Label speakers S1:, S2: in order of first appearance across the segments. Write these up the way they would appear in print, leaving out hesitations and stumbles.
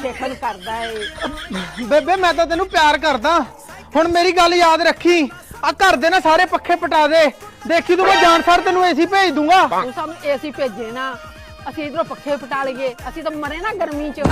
S1: ਦੇਖਣ ਕਰਦਾ ਏ।
S2: ਬੇਬੇ ਮੈਂ ਤਾਂ ਤੈਨੂੰ ਪਿਆਰ ਕਰਦਾ, ਹੁਣ ਮੇਰੀ ਗੱਲ ਯਾਦ ਰੱਖੀ, ਆ ਘਰ ਦੇ ਨਾ ਸਾਰੇ ਪੱਖੇ ਪਟਾ ਦੇ, ਦੇਖੀ ਤੂੰ ਮੈਂ ਜਾਣ ਸਾਰ ਤੈਨੂੰ ਏਸੀ ਭੇਜ ਦੂੰਗਾ।
S1: ਤੂੰ ਸਾਨੂੰ ਏਸੀ ਭੇਜੇ ਨਾ, ਅਸੀਂ ਇਧਰੋਂ ਪੱਖੇ ਪਟਾ ਲਈਏ, ਅਸੀਂ ਤਾਂ ਮਰੇ ਨਾ ਗਰਮੀ ਚ।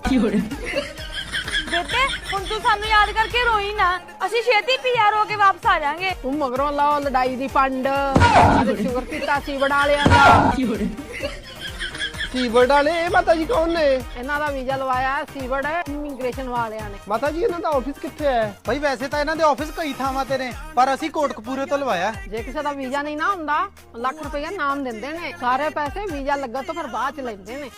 S3: ਬੇਬੇ ਹੁਣ ਤੂੰ ਸਾਨੂੰ ਯਾਦ ਕਰਕੇ ਰੋਈ ਨਾ, ਅਸੀਂ ਛੇਤੀ ਪੀਆਰ ਹੋ ਕੇ ਵਾਪਸ ਆ ਜਾਾਂਗੇ।
S1: ਤੂੰ ਮਗਰੋਂ ਲਾਓ ਲੜਾਈ ਦੀ ਪੰਡ, ਸ਼ੁਕਰ ਕੀਤਾ ਸੀ ਬਣਾ ਲਿਆ ਦਾ।
S2: ਸੀਵਰਡ ਵਾਲੇ ਇਹ ਮਾਤਾ ਜੀ ਕੌਣ ਨੇ?
S1: ਇਹਨਾਂ ਦਾ ਵੀਜ਼ਾ ਲਵਾਇਆ ਸੀਵਰਡ ਇਮੀਗ੍ਰੇਸ਼ਨ ਵਾਲਿਆਂ ਨੇ।
S2: ਮਾਤਾ ਜੀ ਇਹਨਾਂ ਦਾ ਆਫਿਸ ਕਿੱਥੇ ਹੈ? ਭਾਈ ਵੈਸੇ ਤਾਂ ਇਹਨਾਂ ਦੇ ਆਫਿਸ ਕਈ ਥਾਵਾਂ ਤੇ ਨੇ, ਪਰ ਅਸੀਂ ਕੋਟਕਪੂਰੇ ਤੋਂ ਲਵਾਇਆ।
S1: ਜੇ ਕਿਸੇ ਦਾ ਵੀਜ਼ਾ ਨਹੀਂ ਨਾ ਹੁੰਦਾ, ਲੱਖ ਰੁਪਇਆ ਨਾਮ ਦਿੰਦੇ ਨੇ, ਸਾਰੇ ਪੈਸੇ ਵੀਜ਼ਾ ਲੱਗਾ ਤੋਂ ਫਿਰ ਬਾਅਦ ਚ ਲੈਂਦੇ ਨੇ।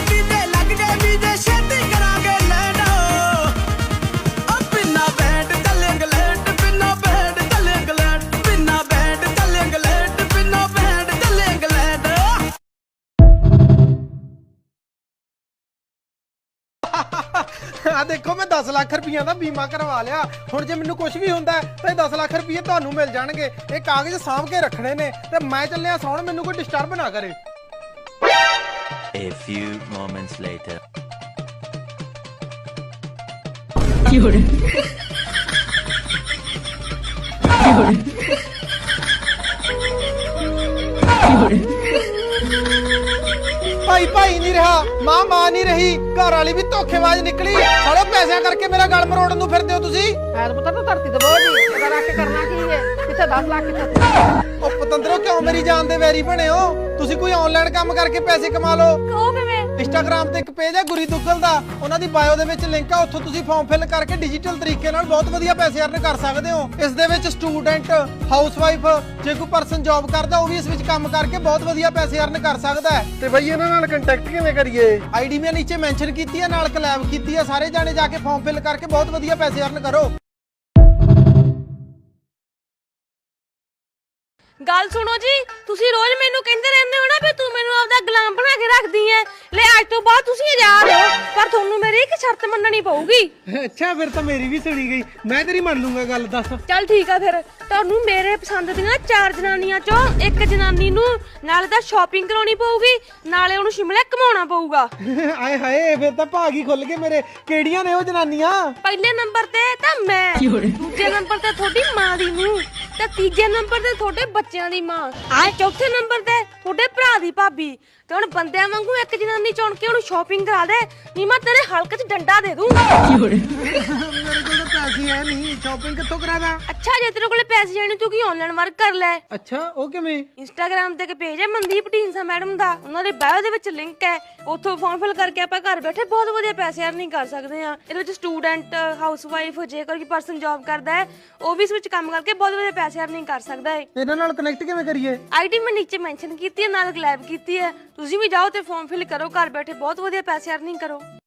S2: ਆ ਦੇਖੋ ਮੈਂ 10 ਲੱਖ ਰੁਪਈਆ ਦਾ ਬੀਮਾ ਕਰਵਾ ਲਿਆ, ਹੁਣ ਜੇ ਮੈਨੂੰ ਕੁਝ ਵੀ ਹੁੰਦਾ ਤਾਂ ਇਹ 10 ਲੱਖ ਰੁਪਏ ਤੁਹਾਨੂੰ ਮਿਲ ਜਾਣਗੇ। ਇਹ ਕਾਗਜ਼ ਸਾਂਭ ਕੇ ਰੱਖਣੇ ਨੇ ਤੇ ਮੈਂ ਚੱਲਿਆ ਸੌਣ, ਮੈਨੂੰ ਕੋਈ ਡਿਸਟਰਬ ਨਾ ਕਰੇ।
S4: A few moments later. ਭਾਈ ਨਹੀਂ ਰਿਹਾ, ਮਾਂ ਨਹੀਂ ਰਹੀ, ਘਰ ਵਾਲੀ ਵੀ ਧੋਖੇਬਾਜ਼ ਨਿਕਲੀ। ਸਾਲੇ ਪੈਸਿਆਂ ਕਰਕੇ ਮੇਰਾ ਗਲ ਮਰੋੜਨ ਨੂੰ ਫਿਰਦੇ ਹੋ ਤੁਸੀਂ।
S1: ਐਦ ਪੁੱਤਰ ਤੂੰ ਧਰਤੀ ਤੇ ਬੋਝ ਨਹੀਂ, ਇਹਦਾ ਰੱਖ ਕੇ ਕਰਨਾ ਕੀ ਹੈ? ਕਿੱਥੇ 10 ਲੱਖ ਕਿੱਥੇ?
S2: ਉਹ ਪਤੰਦਰੋ ਕਿਉਂ ਮੇਰੀ ਜਾਨ ਦੇ ਵੈਰੀ ਬਣੇ ਹੋ? ਤੁਸੀਂ ਕੋਈ ਆਨਲਾਈਨ ਕੰਮ ਕਰਕੇ ਪੈਸੇ ਕਮਾ ਲਓ।
S3: ਉਹ ਕਿਵੇਂ?
S2: ਇੰਸਟਾਗ੍ਰਾਮ ਤੇ ਇੱਕ ਪੇਜ ਹੈ ਗੁਰੀ ਦੁੱਗਲ ਦਾ, ਉਹਨਾਂ ਦੀ ਬਾਇਓ ਦੇ ਵਿੱਚ ਲਿੰਕ ਆ, ਉੱਥੋਂ ਤੁਸੀਂ ਫਾਰਮ ਫਿਲ ਕਰਕੇ ਡਿਜੀਟਲ ਤਰੀਕੇ ਨਾਲ ਬਹੁਤ ਵਧੀਆ ਪੈਸੇ ਅਰਨ ਕਰ ਸਕਦੇ ਹੋ। ਇਸ ਦੇ ਵਿੱਚ ਸਟੂਡੈਂਟ, ਹਾਊਸਵਾਈਫ, ਜੇ ਕੋਈ ਪਰਸਨ ਜੌਬ ਕਰਦਾ ਉਹ ਵੀ ਇਸ ਵਿੱਚ ਕੰਮ ਕਰਕੇ ਬਹੁਤ ਵਧੀਆ ਪੈਸੇ ਅਰਨ ਕਰ ਸਕਦਾ ਹੈ। ਤੇ ਬਈ ਇਹਨਾਂ ਨਾਲ ਕੰਟੈਕਟ ਕਿਵੇਂ ਕਰੀਏ? ਆਈਡੀ ਮੈਂ ਨੀਚੇ ਮੈਂਸ਼ਨ ਕੀਤੀ ਹੈ, ਨਾਲ ਕੋਲੈਬ ਕੀਤੀ ਹੈ, ਸਾਰੇ ਜਾਣੇ ਜਾ ਕੇ ਫਾਰਮ ਫਿਲ ਕਰਕੇ ਬਹੁਤ ਵਧੀਆ ਪੈਸੇ ਅਰਨ ਕਰੋ।
S3: ਗੱਲ ਸੁਣੋ ਜੀ, ਤੁਸੀਂ ਰੋਜ਼ ਮੈਨੂੰ ਕਹਿੰਦੇ ਰਹਿੰਦੇ ਹੋ ਨਾ ਵੀ ਤੂੰ ਮੈਨੂੰ ਆਪਦਾ ਗੁਲਾਮ ਬਣਾ ਕੇ ਰੱਖਦੀ ਐ। ਲੈ ਅੱਜ ਤੋਂ ਬਾਅਦ ਤੁਸੀਂ ਆਜ਼ਾਦ ਹੋ, ਪਰ ਤੁਹਾਨੂੰ ਮੇਰੀ ਇੱਕ ਸ਼ਰਤ ਮੰਨਣੀ ਪਊਗੀ।
S2: ਅੱਛਾ ਫਿਰ ਤਾਂ ਮੇਰੀ ਵੀ ਸੁਣੀ ਗਈ, ਮੈਂ ਤੇਰੀ ਮੰਨ ਲੂੰਗਾ ਗੱਲ। ਦੱਸ।
S3: ਚੱਲ ਠੀਕ ਆ ਫਿਰ, ਤੁਹਾਨੂੰ ਮੇਰੇ ਪਸੰਦ ਦੀਆਂ 4 ਜਨਾਨੀਆਂ ਚੋਂ ਇੱਕ ਜਨਾਨੀ ਨੂੰ ਨਾਲੇ ਤਾਂ ਸ਼ਾਪਿੰਗ ਕਰਾਉਣੀ ਪਊਗੀ, ਨਾਲੇ ਉਹਨੂੰ ਸ਼ਿਮਲੇ ਘਮਾਉਣਾ ਪਊਗਾ।
S2: ਆਏ ਹਾਏ ਫਿਰ ਤਾਂ ਭਾਗ ਹੀ ਖੁੱਲ ਗਏ ਮੇਰੇ। ਕਿਹੜੀਆਂ ਨੇ ਉਹ ਜਨਾਨੀਆਂ?
S3: ਪਹਿਲੇ ਨੰਬਰ ਤੇ ਤਾਂ ਮੈਂ, ਦੂਜੇ ਨੰਬਰ ਤੇ ਤੁਹਾਡੀ ਮਾਂ ਦੀ ਨੂੰਹ, ਤੇ ਤੀਜੇ ਨੰਬਰ ਤੇ ਤੁਹਾਡੇ ਬੱਚਿਆਂ ਦੀ ਮਾਂ, ਤੇ ਚੌਥੇ ਨੰਬਰ ਤੇ ਤੁਹਾਡੇ ਭਰਾ ਦੀ ਭਾਬੀ। ਤੇ ਹੁਣ ਬੰਦਿਆਂ ਵਾਂਗੂ ਇੱਕ ਜਨਾਨੀ ਚੁਣ ਕੇ ਉਹਨੂੰ ਸ਼ਾਪਿੰਗ ਕਰਾ ਦੇ, ਨਹੀਂ ਮੈਂ ਤੇਰੇ ਹਲਕ 'ਚ ਡੰਡਾ ਦੇ ਦੂੰ।
S2: ਮੇਰੇ ਕੋਲ ਤਾਂ ਪੈਸੇ ਹੈ ਨਹੀਂ, ਸ਼ਾਪਿੰਗ ਕਿੱਥੋਂ ਕਰਾਦਾ?
S3: ਅੱਛਾ ਜੇ ਤੇਰੇ ਕੋਲੇ ਪੈਸੇ ਜਾਣੇ ਤੂੰ ਕੀ ਆਨਲਾਈਨ ਵਰਕ ਕਰ ਲੈ।
S2: ਅੱਛਾ ਉਹ ਕਿਵੇਂ?
S3: ਇੰਸਟਾਗ੍ਰਾਮ ਤੇ ਇੱਕ ਪੇਜ ਹੈ ਮਨਦੀਪ ਢੀਂਸਾ ਮੈਡਮ ਦਾ, ਉਹਨਾਂ ਦੇ ਬਾਇਓ ਦੇ ਵਿੱਚ ਲਿੰਕ ਹੈ, ਉੱਥੋਂ ਫਾਰਮ ਫਿਲ ਕਰਕੇ ਆਪਾਂ ਘਰ ਬੈਠੇ ਬਹੁਤ ਵਧੀਆ ਪੈਸੇ ਅਰਨਿੰਗ ਕਰ ਸਕਦੇ ਆ। ਇਹਦੇ ਵਿੱਚ ਸਟੂਡੈਂਟ, ਹਾਊਸਵਾਈਫ, ਜੇਕਰ ਕੋਈ ਪਰਸਨ ਜੌਬ ਕਰਦਾ ਹੈ ਉਹ ਵੀ ਇਸ ਵਿੱਚ ਕੰਮ ਕਰਕੇ ਬਹੁਤ ਵਧੀਆ ਪੈਸੇ ਅਰਨਿੰਗ ਕਰ ਸਕਦਾ ਹੈ।
S2: ਇਹਨਾਂ ਨਾਲ ਕਨੈਕਟ ਕਿਵੇਂ ਕਰੀਏ?
S3: ਆਈਡੀ ਮੈਂ ਨੀਚੇ ਮੈਂਸ਼ਨ ਕੀਤੀ ਹੈ, ਨਾਲ ਕੋਲੈਬ ਕੀਤੀ ਹੈ, ਤੁਸੀਂ ਵੀ ਜਾਓ ਤੇ ਫਾਰਮ ਫਿਲ ਕਰੋ, ਘਰ ਬੈਠੇ ਬਹੁਤ ਵਧੀਆ ਪੈਸੇ ਅਰਨਿੰਗ ਕਰੋ।